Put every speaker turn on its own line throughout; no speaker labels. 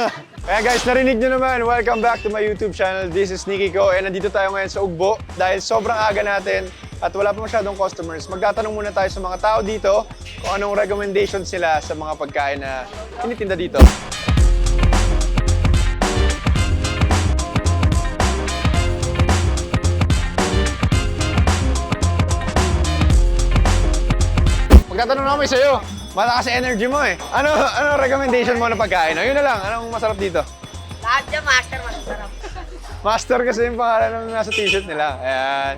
Kaya guys, narinig nyo naman, welcome back to my YouTube channel. This is Nicky Ko, and nandito tayo ngayon sa Ugbo dahil sobrang aga natin at wala pa masyadong customers. Magtatanong muna tayo sa mga tao dito kung anong recommendations sila sa mga pagkain na tinitinda dito. Magtatanong naman sa'yo. Malakas energy mo eh. Ano recommendation mo na pagkain? Ayun na lang. Anong masarap dito?
Lahat dyan, master, masarap.
Master kasi yung pangalan ng nasa t-shirt nila. Ayan.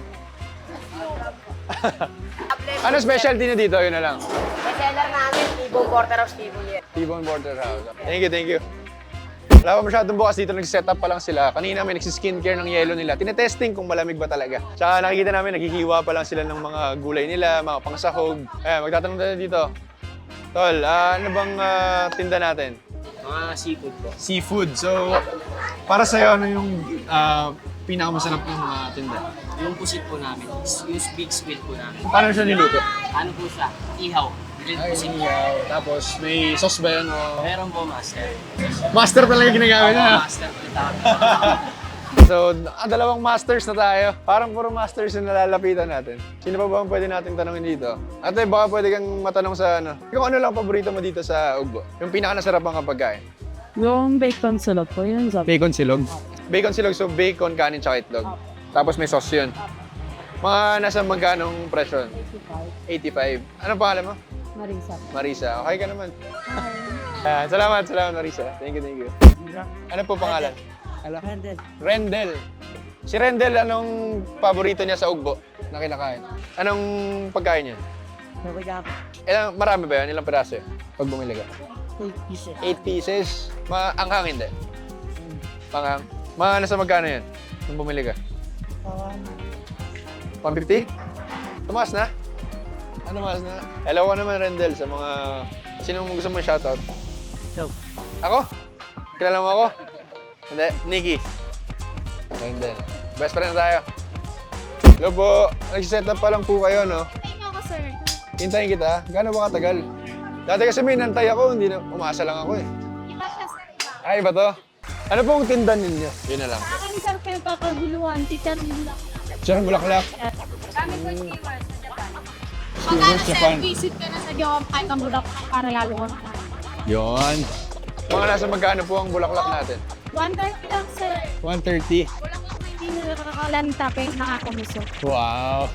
Ano specialty na dito? Ayun na lang.
Bestseller namin, T-Bone Porterhouse, T-Bone.
T-Bone Porterhouse. Thank you. Wala pa masyadong bukas dito. Nag-set up pa lang sila. Kanina may nagsi-skincare ng yelo nila. Tinetesting kung malamig ba talaga. Tsaka nakikita namin, naghihiwa pa lang sila ng mga gulay nila, mga pangsahog. Ayan, magtatanong tayo dito. Tol, ano bang tinda natin?
Mga seafood po.
Seafood. So, para sa'yo, ano yung pinakamasarap ng mga tinda?
Yung pusit po namin, yung big squid po namin.
Paano siya niluto?
Ano po siya? Ihaw. Grilled pusit po.
Tapos may sauce ba yan o?
Meron po master.
Master talaga ginagamit na.
Master po yung tawag.
So, dalawang masters na tayo. Parang puro masters yung nalalapitan natin. Sino pa ba ang pwede nating tanongin dito? Ate, baka pwede kang matanong sa ano. Kung ano lang paborito mo dito sa Ugbo? Yung pinaka-nasarap ang pagkain?
Yung bacon silog po, yun sabi.
Bacon silog? Bacon silog, so bacon, kanin, tsaka itlog. Tapos may sauce yun. Mga nasa magkanong presyo? 85. Anong pangalan mo?
Marisa.
Marisa. Okay ka naman. Salamat Marisa. Thank you. Ano po pangalan?
Handel.
Rendel. Si Rendel, anong paborito niya sa Ugbo na kinakain? Anong pagkain niya? Marami ba yan? Ilang piraso yun? Pag bumili ka?
8 pieces.
8 pieces. Anghang hindi? Panghang? Mga nasa magkano yan? Nung bumili ka? 150? Tumaas na? Ano tumaas na? Hello ko naman, Rendel, sa mga... Sino gusto mo shoutout?
Yo.
Ako? Kilala mo ako? Hindi, Nicky. Rendel. Best friend na tayo. Hello po. Nag-set up pa lang po kayo, no?
Hintayin ako, sir.
Hintayin kita. Gaano ba katagal? Dati kasi may nantay ako, hindi na umasa lang ako eh.
Iba siya, sir.
Ay, ba to? Ano pong tindan ninyo? Yun na lang.
Akin, sir, kayo kakaguluhan. Teacher, yun lang.
Sir, bulaklak.
Kami po stewards sa Japan.
Stewards
Pagkano, sir,
Japan.
visit ka na sa Japan, kahit ang budak para lalo ko.
Yun. Mga nasa magkano po ang bulaklak natin?
130 lang, sir.
130.
Wala ko na hindi nakakalan tapos nakakamuso.
Wow.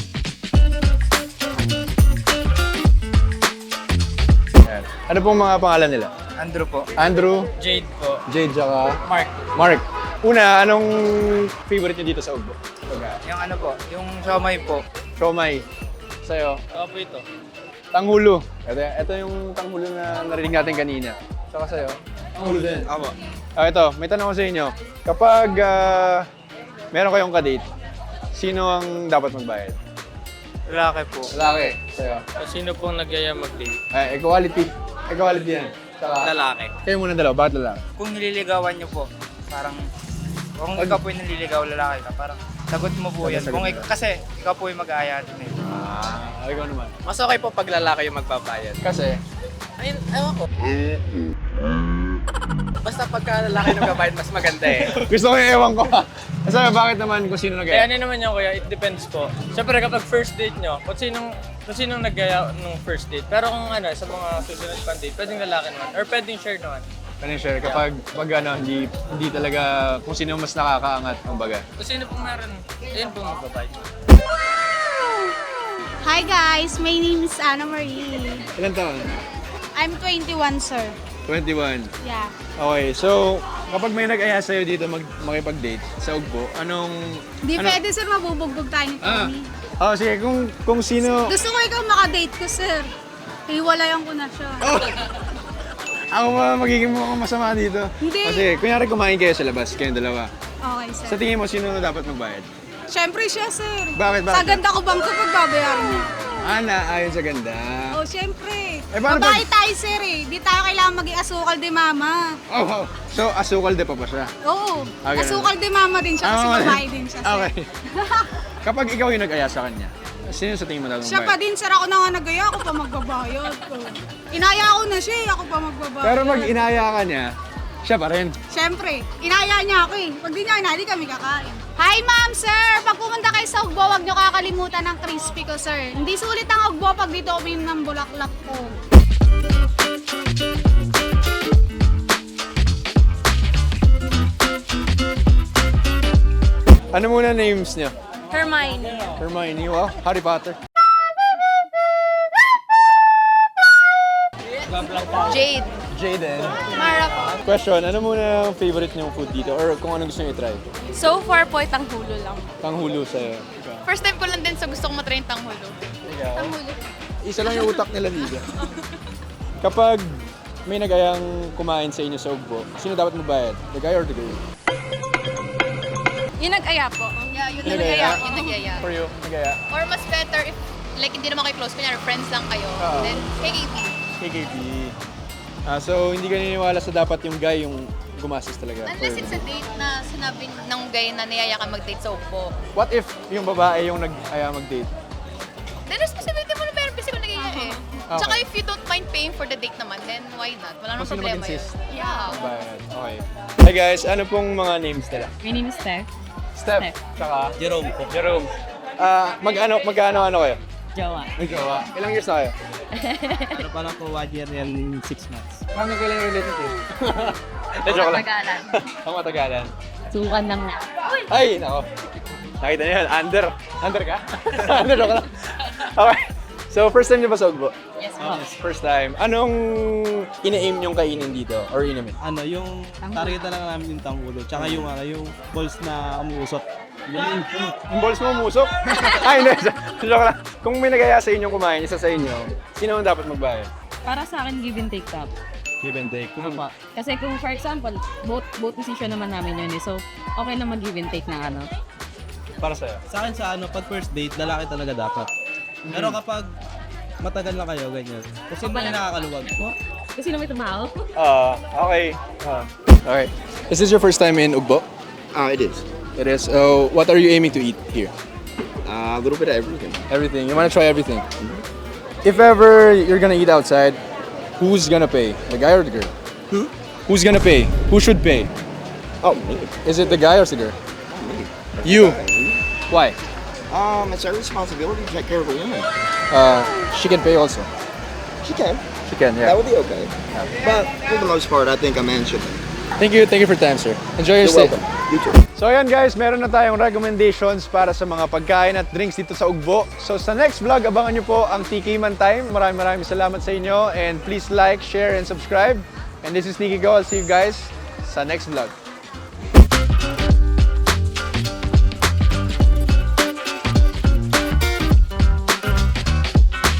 Yan. Ano pong mga pangalan nila?
Andrew po.
Andrew,
Jade po.
Jade, tsaka
Mark.
Mark. Una, anong favorite niyo dito sa Ugbo?
Yung ano po, yung siomay po.
Siomay. Sa'yo?
Ako po ito.
Tanghulo. Ito yung tanghulo na narinig natin kanina. Saka sa'yo? Tanghulo din.
Ako.
Ito, may tanong ko sa inyo. Kapag meron kayong kadate, sino ang dapat magbayad?
Lalaki po.
Lalaki. Sa'yo?
Sino pong nagyaya mag-date?
Ay, equality. Equality yan. Saka,
Lalaki.
kayo muna dalawa. Bakit lalaki?
Kung nililigawan niyo po, parang kung ikaw po yung naliligaw, lalaki ka, parang sagot mo po yan.
Sagot mo.
Kasi ikaw po yung mag-aaya din eh.
Ikaw naman.
Mas okay po pag lalaki yung magbabayad.
Kasi,
Ayun, ewan ko. Basta pagka lalaki yung magbabayad, mas maganda eh.
gusto ko yung ewan ko. Kasi bakit naman kung sino
Kaya
nag-e?
ano naman yan kuya, it depends po. Siyempre kapag first date nyo, kung sinong nagaya nung first date. Pero kung ano, sa mga susunod pang date, pwedeng lalaki naman. Or pwedeng share naman.
Ano share kapag hindi talaga kung sino mas nakakaangat ang baga.
Kung sino pong meron, ayun pong magbabayad.
Hi, guys. My name is Anna Marie.
Ilan taon?
I'm 21, sir.
21.
Yeah.
Okay, so kapag may nag-aya sa'yo dito makipag-date sa Ugbo,
Di pwede, sir. Mabubugbog tayo ni Tony.
Sige, kung sino...
Gusto ko ikaw makadate ko, sir. Hiwalayan ko na siya.
Ako magiging mukhang masama dito.
Hindi.
Kasi kunyari kumain kayo sa labas, kayong dalawa.
Okay, sir.
Sa tingin mo, sino na dapat magbayad?
Siyempre siya, sir.
Bakit?
Sa ganda ko bang kapag babayaran niya?
Ayon sa ganda.
Oh, siyempre.
paano
Babae tayo, sir eh. Di tayo kailangan maging asukal de mama.
Oh. So, asukal de pa siya?
Oo.
Okay.
Asukal de mama din siya kasi
Ah, okay.
babae din siya, sir.
Okay. Kapag ikaw yung nag-aya sa kanya, sino sa tingin mo dapat
Siya pa din, sir. Ako na nga nagaya. Ako pa magbabayad. Inaya ko na siya eh. Ako pa magbabayad.
Pero pag inaya ka niya, Siya pa rin.
Siyempre, inaya niya ako eh. Pag di niya inaya, di kami kakain. Hi ma'am, sir! Pag pumunta kayo sa Ugbo, huwag niyo kakalimutan ng crispy ko, sir. Hindi sulit ang Ugbo pag dito uminom ng bulaklak ko.
Ano muna names niya?
Hermione.
Hermione, wow. Harry Potter.
Jade.
Jaden.
Mara po.
Question, ano muna ang favorite niyong food dito? Or kung anong gusto niyo i-try?
So far po, tanghulo lang.
Tanghulo sa'yo.
First time ko lang din sa gusto kong matry yung tanghulo. Tanghulo.
Isa lang yung utak nila dito. Kapag may nagayang kumain sa inyo sa Ugbo, sino dapat magbayad? The guy or the girl?
Yung nag-aya po. Yeah, yun
Nag-aya?
Yung nag-aya.
For you, nagaya?
Or mas better if, like, hindi naman kayo close, kunyari, friends lang kayo.
Oo.
Then, KKP.
KKP. So, hindi ka naniniwala sa dapat yung guy yung gumastos talaga?
Unless it's a date na sinabi ng guy na niyaya ka mag-date sa Ugbo.
What if yung babae yung nag-aya mag-date?
Then, responsibility mo na pero kasi kung nag-aya eh.
Okay.
Tsaka if you don't mind paying for the date naman, then why not? Wala namang
Kung sino
problema yun.
mag-insist.
Yeah.
Bayad. Okay. Hi guys, ano pong mga names nila?
My name is Steph.
Steph. Tsaka?
Jerome po.
Jerome. Magkano kayo?
Jowa.
May jowa. Ilang years na kayo?
Pero parang po 1 year and 6 months.
Paano kailan yung relationship? Joke lang.
Tagalan.
Ang matagalan.
Sukan lang na.
Ay, nako. Nakita niyo yan, under. Under ka? Under, joke lang. Okay. So, first time niyo ba sa Ugbo?
Yes,
First time. Anong ina-aim niyong kainin dito? Or inumin?
Ano, yung target na lang namin yung tanggulo. Tsaka yung balls na umuusok.
Yung balls mo umusok? Ay, hindi. Joke lang. Kung may nagaya sa inyong kumain, isa sa inyo, sino ang dapat magbayad?
Para sa akin, give and take top.
Give and take.
Kasi kung for example, both position naman namin yun eh. So, okay na mag-give and take na ano.
Para sa'yo.
Sa akin sa pag first date, lalaki talaga dapat. Pero kapag matagal na kayo, ganyan. Kasi may nakakaluwag.
Kasi na may tumaw.
Okay. Okay. Is this your first time in Ugbo?
It is.
It is. What are you aiming to eat here?
A little bit of everything.
Everything. You want to try everything? If ever you're gonna eat outside, who's gonna pay? The guy or the girl?
Who?
Who's gonna pay? Who should pay?
Oh, me.
Is it the guy or the girl?
Me.
You. Why?
It's our responsibility to take care of a woman.
She can pay also.
She can.
She can,
That
yeah.
would be okay. But for the most part, I think a man should.
Thank you for your time, sir. Enjoy your
You're
stay.
welcome. You too.
So ayan guys, meron na tayong recommendations para sa mga pagkain at drinks dito sa Ugbo. So sa next vlog, abangan nyo po ang TK Man Time. Maraming salamat sa inyo and please like, share, and subscribe. And this is Nikki Go. I'll see you guys sa next vlog.